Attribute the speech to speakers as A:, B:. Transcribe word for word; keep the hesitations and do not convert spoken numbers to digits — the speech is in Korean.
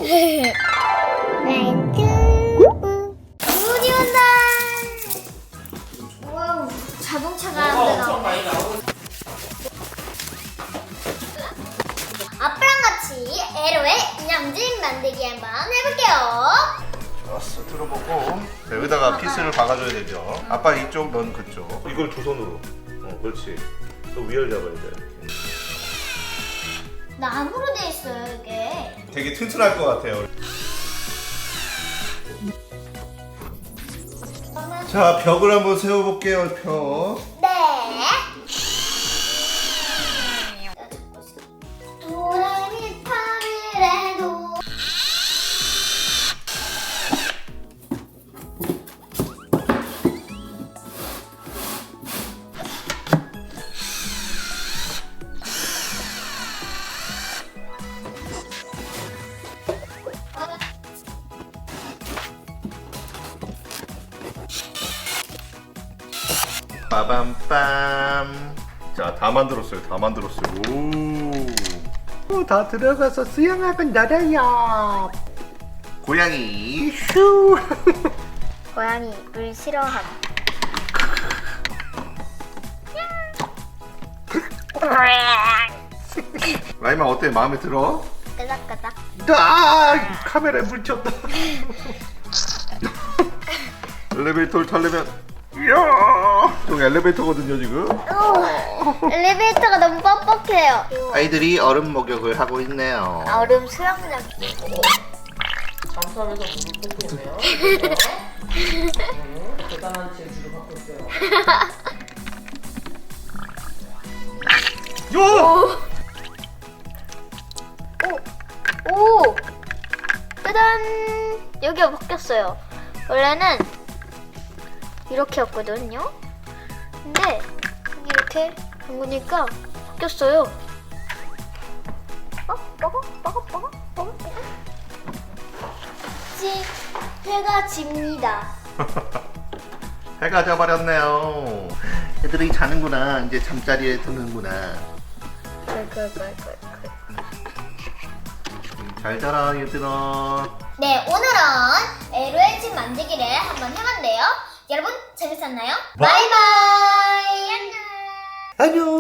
A: 눈이 온다. 와우, 자동차가 안 되나? 아빠랑 같이 에로의 냠짐 만들기 한번 해볼게요.
B: 좋았어. 들어보고 여기다가 피스를 박아줘야 되죠. 아빠 이쪽, 넌 그쪽. 이걸 두 손으로. 어, 그렇지. 또 위를 잡아야 돼.
A: 나무로 돼 있어요 이게.
B: 되게 튼튼할 것 같아요. 자, 벽을 한번 세워볼게요. 벽.
A: 네. 도레미파를 해도
B: 빠밤빰. 자, 다 만들었어요. 다 만들었어요. 오. 오, 다 들어가서 수영학은 나라야. 고양이 슈.
A: 고양이 물 싫어함.
B: 라이마 어때? 마음에 들어?
A: 끄덕끄덕.
B: 아, 카메라에 물쳤다. 엘리베이터를 타려면 이야, 저기 엘리베이터거든요 지금.
A: 오, 엘리베이터가 너무 뻑뻑해요.
B: 아이들이 얼음 목욕을 하고 있네요.
A: 얼음 수영장.
C: 잠수하면서 물을 뿜고 있네요. 음, 대단한 재주를 갖고 있어요.
B: 요!
A: 오, 오, 짜잔. 여기가 바뀌었어요. 원래는 이렇게였거든요. 근데 이렇게 담그니까 바뀌었어요. 어? 먹어? 먹어? 먹어? 먹어? 먹어? 지, 해가 집니다.
B: 해가 져버렸네요. 애들이 자는구나. 이제 잠자리에 드는구나.
A: 꿀꿀꿀꿀꿀.
B: 잘 자라 얘들아.
A: 네, 오늘은 에로의 집 만들기를 한번 해봤는데요. 여러분 재밌었나요? 바이바이. 안녕.
B: 안녕.